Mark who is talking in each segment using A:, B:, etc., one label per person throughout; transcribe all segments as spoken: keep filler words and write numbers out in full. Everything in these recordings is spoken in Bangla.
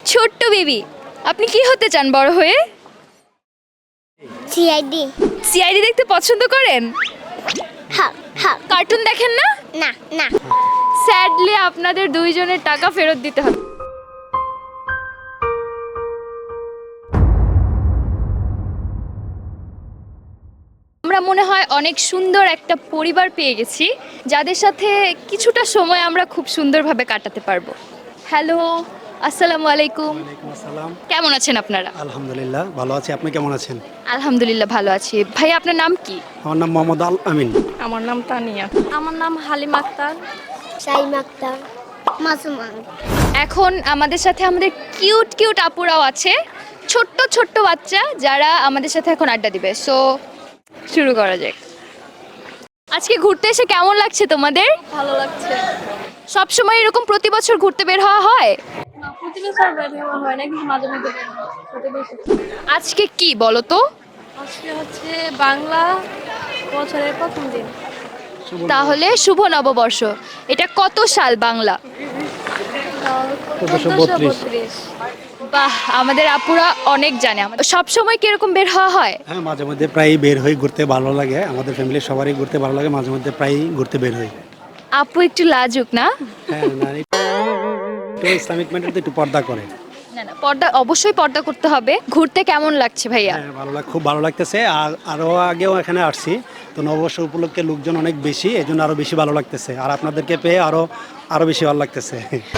A: ছোট্ট বেবি, আপনি কি হতে চান বড় হয়ে?
B: সিআইডি।
A: সিআইডি দেখতে পছন্দ করেন?
B: হ্যাঁ হ্যাঁ।
A: কার্টুন দেখেন না?
B: না না।
A: স্যাডলি আপনাদের দুইজনের টাকা ফেরত দিতে হবে। আমরা মনে হয় অনেক সুন্দর একটা পরিবার পেয়ে গেছি, যাদের সাথে কিছুটা সময় আমরা খুব সুন্দরভাবে কাটাতে পারবো। হ্যালো, আসসালামু আলাইকুম।
C: ওয়ালাইকুম আসসালাম।
A: কেমন আছেন আপনারা?
C: আলহামদুলিল্লাহ ভালো আছি, আপনি কেমন আছেন?
A: আলহামদুলিল্লাহ ভালো আছি। ভাই, আপনার নাম কি?
C: আমার নাম মোহাম্মদ আল আমিন।
D: আমার নাম তানিয়া।
E: আমার নাম হালিম আক্তার।
B: সাইম আক্তার। মাসুমান।
A: এখন আমাদের সাথে আমাদের কিউট কিউট আপুরাও আছে, ছোট্ট ছোট্ট বাচ্চা যারা আমাদের সাথে এখন আড্ডা দিবে। সো শুরু করা যাক। আজকে ঘুরতে এসে কেমন লাগছে তোমাদের?
E: ভালো লাগছে।
A: সব সময় এরকম প্রতি বছর ঘুরতে বের হওয়া হয়?
E: না, প্রতি বছর বের হওয়া হয় না, কিন্তু মাঝে মধ্যে বের হয়। প্রতি বছর।
A: আজকে কি বলো তো?
E: আজকে হচ্ছে বাংলা বছরের প্রথম দিন।
A: তাহলে শুভ নববর্ষ। এটা কত সাল বাংলা?
C: চোদ্দশো
E: চোদ্দশো
C: বত্রিশ।
E: বত্রিশ।
A: বাহ, আমাদের আপুরা অনেক জানে। সব সময় কি এরকম বের হওয়া হয়?
C: হ্যাঁ, মাঝে মধ্যে প্রায়ই বের হই, ঘুরতে ভালো লাগে। আমাদের ফ্যামিলির সবারই ঘুরতে ভালো লাগে, মাঝে মধ্যে প্রায়ই ঘুরতে বের হই।
A: আপু একটু লাজুক না?
C: হ্যাঁ, না একটু ইসলামিক ম্যাটার তো একটু পর্দা করে।
A: না না, পর্দা অবশ্যই পর্দা করতে হবে। ঘুরতে কেমন লাগছে ভাইয়া?
C: হ্যাঁ, ভালো লাগ খুব ভালো লাগতেছে। আর আরও আগেও এখানে আসছি, তো নববর্ষ উপলক্ষে লোকজন অনেক বেশি, এই জন্য আরও বেশি ভালো লাগতেছে। আর আপনাদেরকে পেয়ে আরও আরও বেশি ভালো লাগতেছে।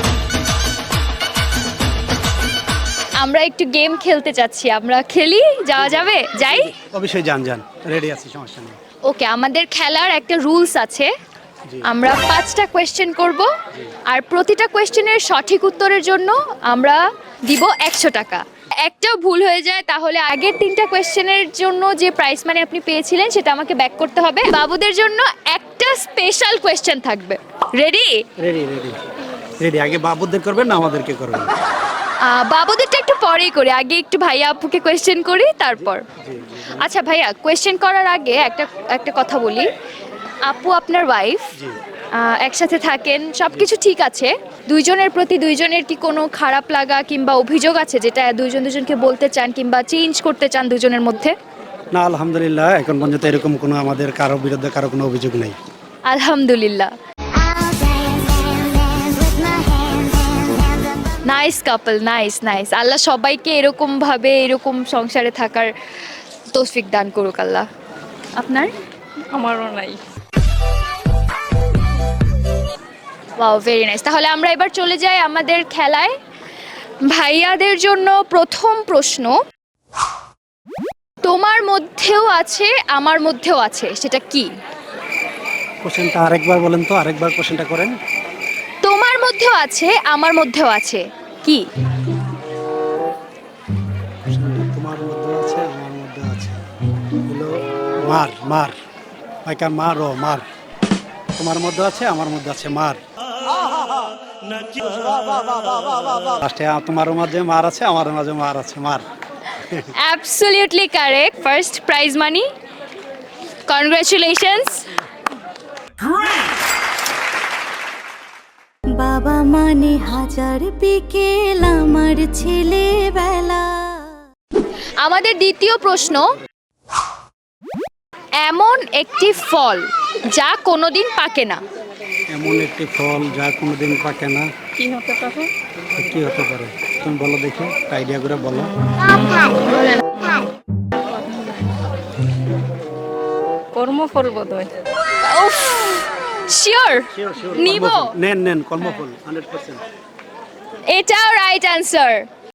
A: আমরা একটু গেম খেলতে চাচ্ছি, আমরা খেলি? যাওয়া যাবে? যাই?
C: অবশ্যই যান যান, রেডি আছি, সমস্যা নেই।
A: ওকে, আমাদের খেলার একটা রুলস আছে।
C: জি।
A: আমরা পাঁচটা কোয়েশ্চেন করব, আর প্রতিটা কোয়েশ্চেনের সঠিক উত্তরের জন্য আমরা দিব একশো টাকা। একটাও ভুল হয়ে যায় তাহলে আগের তিনটা কোয়েশ্চেনের জন্য যে প্রাইস মানি আপনি পেয়েছিলেন সেটা আমাকে ব্যাক করতে হবে। বাবুদের জন্য একটা স্পেশাল কোয়েশ্চেন থাকবে। রেডি?
C: Ready ready ready. আগে বাবুদের করবেন না আমাদেরকে করবেন?
A: বাবুদেরটা একটু পরেই করি, আগে একটু ভাইয়া আপুকে কোয়েশ্চেন করি তারপর। আচ্ছা ভাইয়া, কোয়েশ্চেন করার আগে একটা একটা কথা বলি। আপু আপনার ওয়াইফ, একসাথে থাকেন, সব কিছু ঠিক আছে। দুইজনের প্রতি দুইজনের কি কোনো খারাপ লাগা কিংবা অভিযোগ আছে যেটা দুইজন দুজনকে বলতে চান কিংবা চেঞ্জ করতে চান দুজনের মধ্যে?
C: না, আলহামদুলিল্লাহ এখন পর্যন্ত এরকম কোনো আমাদের কারো বিরুদ্ধে কারো কোনো অভিযোগ নেই।
A: আলহামদুলিল্লাহ। Nice couple, nice nice. Allah সবাইকে এরকম ভাবে এরকম সংসারে থাকার তৌফিক দান করুক আল্লাহ। আপনার?
D: আমারও নাই।
A: Wow, very nice. তাহলে আমরা এবার চলে যাই আমাদের খেলায়। ভাইয়াদের জন্য প্রথম প্রশ্ন, তোমার মধ্যেও আছে আমার মধ্যেও আছে, সেটা কি?
C: কোশ্চেনটা আরেকবার বলেন তো, আরেকবার কোশ্চেনটা করেন।
A: তোমার মধ্যেও আছে আমার মধ্যেও আছে, কি?
C: তোমার মধ্যে আছে আমার মধ্যে আছে হলো মার। মার ভাইকা, মার ও মার। তোমার মধ্যে আছে আমার মধ্যে আছে মার। লাস্টে তোমার মাঝে মার আছে, আমার মাঝে মার আছে, মার।
A: Absolutely correct. First prize money, congratulations.
F: বাবা মানে হাজার বিকেল আমার ছেলেবেলা।
A: আমাদের দ্বিতীয় প্রশ্ন, এমন একটি ফল যা কোনোদিন পাকে না।
C: এমন একটি ফল যা কোনোদিন পাকে না,
D: কি হতে পারে?
C: কি হতে পারে তুমি বলো দেখি, আইডিয়া করে বলো।
D: কর্মফল বোধহয়।
A: উফ, শিওর? নিব?
C: নেন নেন, কর্মফল হান্ড্রেড পার্সেন্ট।
A: এটাও রাইট অ্যান্সার।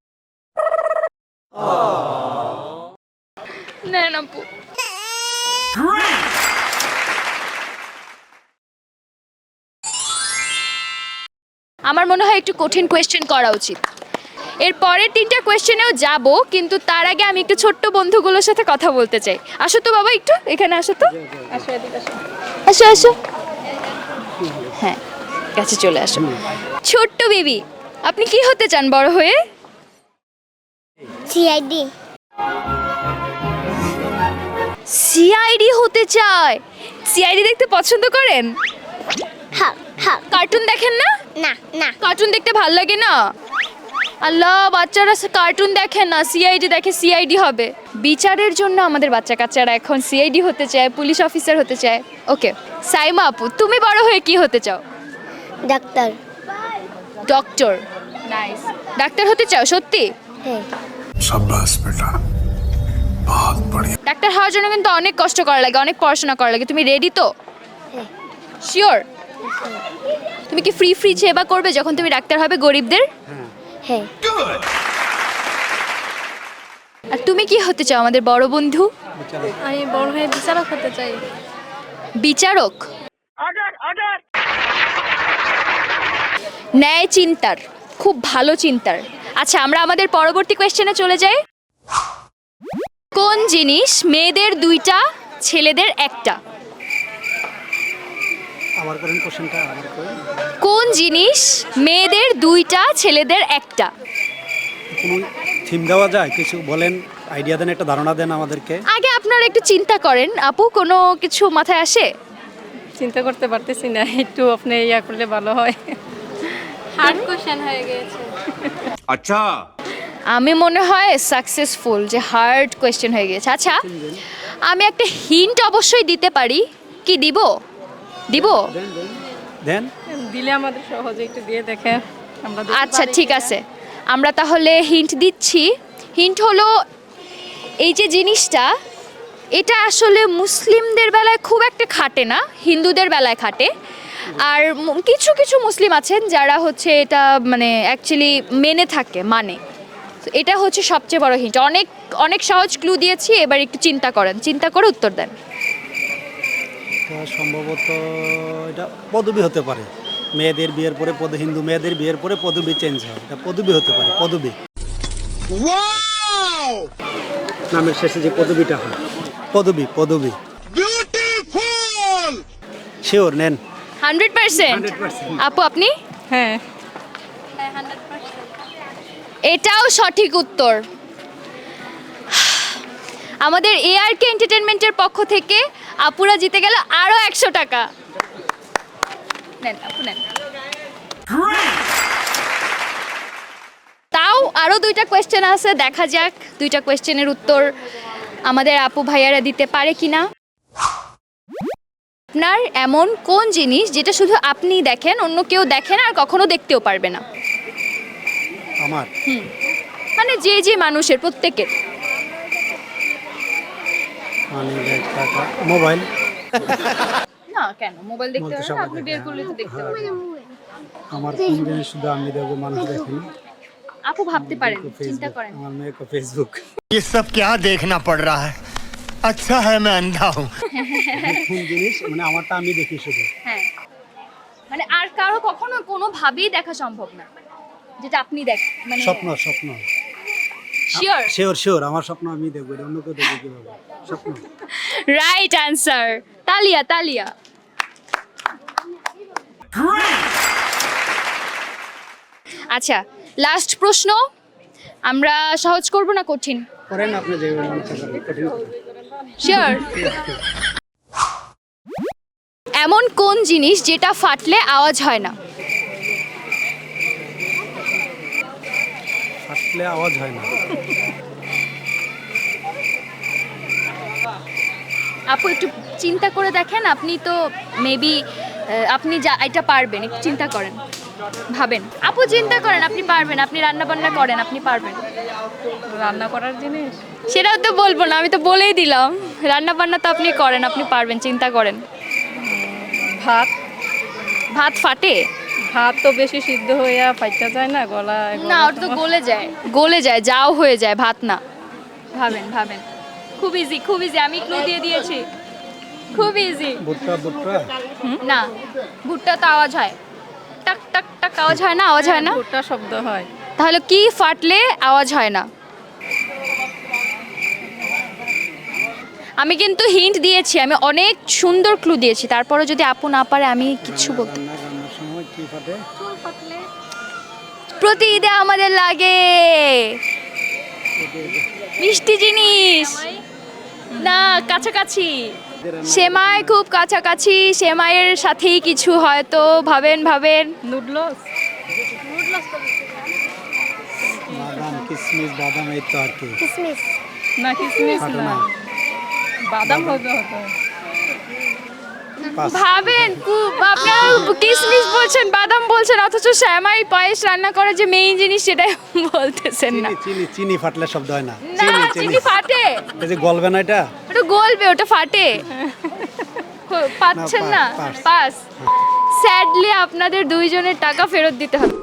A: নেন আপু। আমার মনে হয় একটু কঠিন কোয়েশ্চেন করা উচিত। এর পরের তিনটা কোয়েশ্চেনেও যাব, কিন্তু তার আগে আমি একটু ছোট্ট বন্ধুগুলোর সাথে কথা বলতে চাই। আসো তো বাবা, একটু এখানে আসো তো।
D: আসো এদিকে আসো।
A: আসো আসো। হ্যাঁ, কাছে চলে আসো। ছোট্ট বেবি, আপনি কি হতে চান বড় হয়ে?
B: সিআইডি।
A: সিআইডি হতে চায়? সিআইডি দেখতে পছন্দ করেন?
B: হ্যাঁ হ্যাঁ।
A: কার্টুন দেখেন না?
B: না না।
A: কার্টুন দেখতে ভাল লাগে না? আল্লাহ, বাচ্চারা কার্টুন দেখে না, সিআইডি দেখে, সিআইডি হবে। বিচারের জন্য আমাদের বাচ্চা কাচ্চারা এখন সিআইডি হতে চায়, পুলিশ অফিসার হতে চায়। ওকে, সাইমা আপু, তুমি বড় হয়ে কি হতে চাও?
B: ডাক্তার।
A: ডক্টর। নাইস। ডাক্তার হতে চাও সত্যি?
B: হ্যাঁ।
G: शाबाश बेटा बहुत बढ़िया
A: ডাক্তার হওয়ার জন্য কিন্তু অনেক কষ্ট করা লাগে, অনেক পড়াশোনা করা লাগে। তুমি রেডি তো?
B: হ্যাঁ।
A: শিওর? তুমি কি ফ্রি ফ্রি সেবা করবে যখন তুমি ডাক্তার হবে গরিবদের?
B: হ্যাঁ।
A: আর তুমি কি হতে চাও আমাদের বড় বন্ধু?
E: আমি বড় হয়ে বিচারক হতে চাই।
A: বিচারক? ন্যায় চিন্তার, খুব ভালো চিন্তার। আচ্ছা, আমরা আমাদের পরবর্তী কোয়েশ্চেনে চলে যাই। কোন জিনিস মেয়েদের দুইটা ছেলেদের একটা?
C: আবার করেন কোশ্চেনটা, আবার করেন।
A: কোন জিনিস মেয়েদের দুইটা ছেলেদের একটা?
C: কোনো থিম দেওয়া যায়? কিছু বলেন, আইডিয়া দেন, একটা ধারণা দেন আমাদেরকে।
A: আগে আপনারা একটু চিন্তা করেন আপু, কোনো কিছু মাথায় আসে?
D: চিন্তা করতে পারতেছি না, একটু আপনি ইয়া করলে ভালো হয়।
E: হার্ড কোশ্চেন হয়ে গিয়েছে।
G: अच्छा
A: আমি মনে হয় সাকসেসফুল, যে হার্ড কোয়েশ্চেন হয়ে গেছে। আচ্ছা, আমি একটা হিন্ট অবশ্যই দিতে পারি। কি দিব? দিব?
C: দেন।
D: দিলে আমাদের সহজে একটু দিয়ে দেখে আমরা দেখতে
A: আচ্ছা
D: পারি
A: ঠিক
D: কিনা।
A: আছে, আমরা তাহলে হিন্ট দিচ্ছি। হিন্ট হলো, এই যে জিনিসটা, এটা আসলে মুসলিমদের বেলায় খুব একটা খাটে না, হিন্দুদের বেলায় খাটে। আর ম- কিছু কিছু মুসলিম আছেন যারা হচ্ছে এটা মানে অ্যাকচুয়ালি মেনে থাকে, মানে। তো এটা হচ্ছে সবচেয়ে বড় হিন্ট। অনেক অনেক সহজ ক্লু দিয়েছি, এবার একটু চিন্তা করেন, চিন্তা করে উত্তর দেন।
C: এটা সম্ভবত এটা পদবি হতে পারে। মেয়েদের বিয়ের পরে পদ, হিন্দু মেয়েদের বিয়ের পরে পদবি চেঞ্জ হয়, এটা পদবি হতে পারে। পদবি, নামের শেষে যে পদবিটা হয়, পদবি। পদবি শিওর? নেন।
A: Hundred percent?
C: Hundred percent.
A: আপু আপনি?
D: হ্যাঁ,
A: এটাও সঠিক উত্তর। আমাদের এআরকে এন্টারটেনমেন্টের পক্ষ থেকে আপুরা জিতে গেল আরো একশো টাকা। নেন আপু, নেন। তাও আরো দুইটা কোয়েশ্চেন আছে, দেখা যাক দুইটা কোয়েশ্চেনের উত্তর আমাদের আপু ভাইয়ারা দিতে পারে কিনা। আপনার এমন কোন জিনিস যেটা শুধু আপনিই দেখেন, অন্য কেউ দেখেন আর কখনো দেখতেও পারবে না?
C: আমার
A: মানে যে যে মানুষের, প্রত্যেকের।
C: মানে টাকা, মোবাইল।
A: না কেন, মোবাইল দেখতে
C: বলতে
A: পারবেন,
C: সবাই
A: আপনি
C: দেখে,
A: বের করলে তো দেখতে পারবেন।
C: আমার কোন জিনিস শুধু আমি দেখবো, মানুষ দেখেনি?
A: আপু ভাবতে পারেন,
C: मेरे को
A: চিন্তা
C: फेसबुक,
A: করেন।
C: আমার মেয়ে को फेसबुक।
G: ये सब क्या देखना पड़ रहा है अच्छा है मैं अंधा हूँ
C: কোন জিনিস মানে আমারটা আমি দেখি শুধু।
A: হ্যাঁ, মানে আর কারো কখনো কোনো ভাবেই দেখা সম্ভব না, যেটা আপনি দেখ মানে
C: স্বপ্ন, স্বপ্ন।
A: শিওর?
C: শিওর শিওর, আমার স্বপ্ন আমি দেখবো, এটা অন্য কেউ দেখবে কিভাবে? স্বপ্ন।
A: Right answer. তালিয়া, তালিয়া। আচ্ছা, লাস্ট প্রশ্ন। আমরা সহজ করব না কঠিন?
C: করেন আপনি যেভাবে মনে করেন, কঠিন করেন।
A: শিওর? এমন কোন জিনিস যেটা ফাটলে আওয়াজ হয় না?
C: ফাটলে আওয়াজ হয় না?
A: আপু একটু চিন্তা করে দেখেন, আপনি তো মেবি আপনি যা এটা পারবেন, একটু চিন্তা করেন, ভাবেন। আপু চিন্তা করেন, আপনি পারবেন, আপনি রান্না বান্না করেন, আপনি পারবেন।
D: রান্না করার জিনিস
A: সেটাও তো বলবো না, আমি তো বলেই দিলাম। রান্না বান্না তো আপনি করেন, আপনি পারবেন, চিন্তা করেন।
D: ভাত।
A: ভাত ফাটে?
D: ভাত তো বেশি সিদ্ধ হইয়া ফাইটা যায় না, গলা গলা
A: না, ওটা তো গলে যায়, গলে যায়, যাও হয়ে যায়, ভাত না। ভাবেন, ভাবেন। খুব ইজি, খুব ইজি, আমি ক্লু দিয়ে দিয়েছি, খুব ইজি।
C: ভুট্টা, ভুট্টা।
A: না, ভুট্টা তো আওয়াজ হয়, টাক টাক টাক আওয়াজ হয় না? আওয়াজ হয় না?
D: ভুট্টা শব্দ হয়।
A: তাহলে কি ফাটলে আওয়াজ হয় না? আমি কিন্তু হিন্ট দিয়েছি, আমি অনেক সুন্দর ক্লু দিয়েছি, তারপরে যদি আপু না পারে আমি কিছু বলতে।
C: রান্না রান্নার সময় কি ফাটে?
A: প্রতি ঈদে আমাদের লাগে মিষ্টি জিনিস। না, কাছাকাছি। সেমাই খুব কাছাকাছি, সেমাইয়ের সাথেই কিছু হয়তো। ভাবেন, ভাবেন।
D: নুডলস।
C: কিসমিস বাদাম এই তো আর কি
B: কিসমিস
D: না কিসমিস
C: ফাটো
D: না
C: না
D: বাদাম হবে হতো
C: পাস
A: ভাবেন কু- আপনারা কিসমিস বলছেন, বাদাম বলছেন, অথচ শ্যামাই পায়েস রান্না করার যে মেইন জিনিস সেটাই বলতেছেন না।
C: চিনি চিনি চিনি ফাটলে শব্দ হয় না
A: না
C: চিনি চিনি
A: চিনি ফাটে,
C: এই যে গলবে না এটা
A: ওটা গলবে, ওটা ফাটে। হো- পাচ্ছেন না,
C: না, পাস,
A: পাস। স্যাডলি আপনাদের দুইজনের টাকা ফেরত দিতে হবে।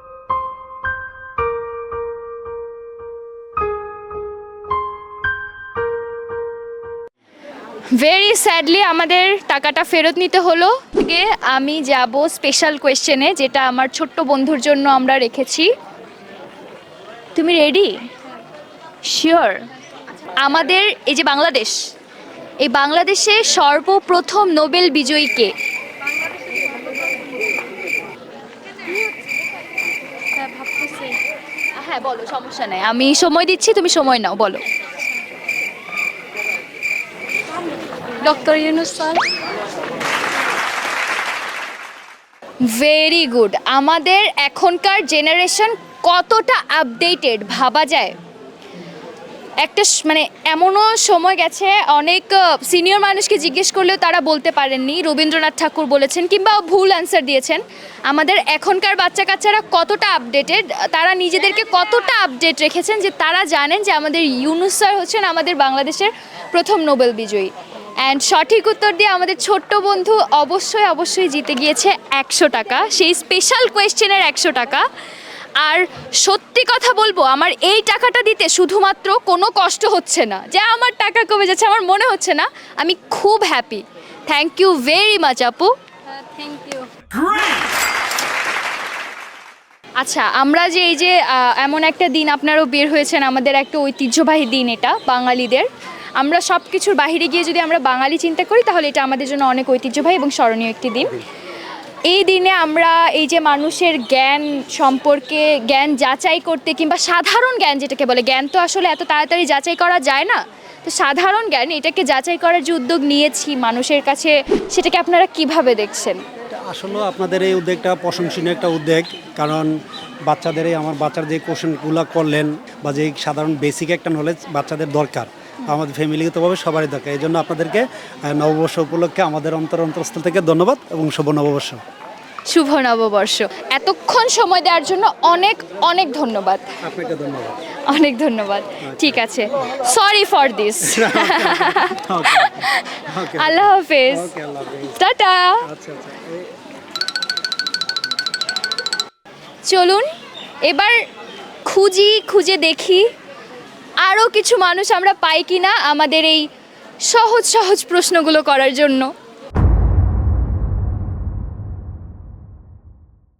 A: ভেরি স্যাডলি আমাদের টাকাটা ফেরত নিতে হলো। আগে আমি যাব স্পেশাল কোয়েশ্চেনে, যেটা আমার ছোট্ট বন্ধুর জন্য আমরা রেখেছি। তুমি রেডি? শিওর? আমাদের এই যে বাংলাদেশ, এই বাংলাদেশে সর্বপ্রথম নোবেল বিজয়ী কে?
E: হ্যাঁ ভাবতেছি
A: হ্যাঁ বলো, সমস্যা নেই, আমি সময় দিচ্ছি, তুমি সময় নাও, বলো।
E: Doctor Yunus sir.
A: Very good. আমাদের এখনকার জেনারেশন কতটা আপডেটেড ভাবা যায়। একটা স- মানে এমনও সময় গেছে, অনেক সিনিয়র মানুষকে জিজ্ঞেস করলেও তারা বলতে পারেননি রবীন্দ্রনাথ ঠাকুর বলেছেন, কিংবা ভুল অ্যান্সার দিয়েছেন। আমাদের এখনকার বাচ্চা কাচ্চারা কতটা আপডেটেড, তারা নিজেদেরকে কতটা আপডেট রেখেছেন যে তারা জানেন যে আমাদের ইউনুস স্যার হচ্ছেন আমাদের বাংলাদেশের প্রথম নোবেল বিজয়ী। অ্যান্ড সঠিক উত্তর দিয়ে আমাদের ছোট্ট বন্ধু অবশ্যই অবশ্যই জিতে গিয়েছে একশো টাকা, সেই স্পেশাল কোয়েশ্চেনের একশো টাকা। আর সত্যি কথা বলবো, আমার এই টাকাটা দিতে শুধুমাত্র কোনো কষ্ট হচ্ছে না যে আমার টাকা কমে যাচ্ছে, আমার মনে হচ্ছে না, আমি খুব happy. Thank you very much আপু।
E: হ্যাঁ থ্যাংক ইউ।
A: আচ্ছা, আমরা যে এই যে আহ, এমন একটা দিন আপনারাও বের হয়েছেন, আমাদের একটা ঐতিহ্যবাহী দিন এটা বাঙালিদের। আমরা সব কিছুর বাইরে গিয়ে যদি আমরা বাঙালি চিন্তা করি, তাহলে এটা আমাদের জন্য অনেক ঐতিহ্যবাহী এবং স্মরণীয় একটি দিন। এই দিনে আমরা এই যে মানুষের জ্ঞান সম্পর্কে জ্ঞান যাচাই করতে, কিংবা সাধারণ জ্ঞান যেটাকে বলে, জ্ঞান তো আসলে এত তাড়াতাড়ি যাচাই করা যায় না, তো সাধারণ জ্ঞান এটাকে যাচাই করার যে উদ্যোগ নিয়েছি মানুষের কাছে, সেটাকে আপনারা কিভাবে দেখছেন?
C: এটা আসলে আপনাদের এই উদ্যোগটা প্রশংসনীয় একটা উদ্যোগ, কারণ বাচ্চাদের এই আমার বাচ্চার যে কোশ্চেনগুলো করলেন বা যে সাধারণ বেসিক একটা নলেজ বাচ্চাদের দরকার, আমাদের ফ্যামিলিগতভাবে সবারই দরকার। এই জন্য আপনাদেরকে আহ, নববর্ষ উপলক্ষে আমাদের অন্তর অন্তরস্থল থেকে ধন্যবাদ এবং শুভ নববর্ষ।
A: শুভ নববর্ষ। এতক্ষণ সময় দেওয়ার জন্য অনেক অনেক ধন্যবাদ,
C: আপনাকে ধন্যবাদ।
A: অনেক ধন্যবাদ। ঠিক আছে, sorry for this.
C: Okay okay
A: Allah হাফেজ,
C: ওকে আল্লাহ হাফেজ।
A: টাটা।
C: আচ্ছা আচ্ছা এই-
A: চলুন এবার খুঁজি, খুঁজে দেখি আরও কিছু মানুষ আমরা পাই কিনা আমাদের এই সহজ সহজ প্রশ্নগুলো করার জন্য।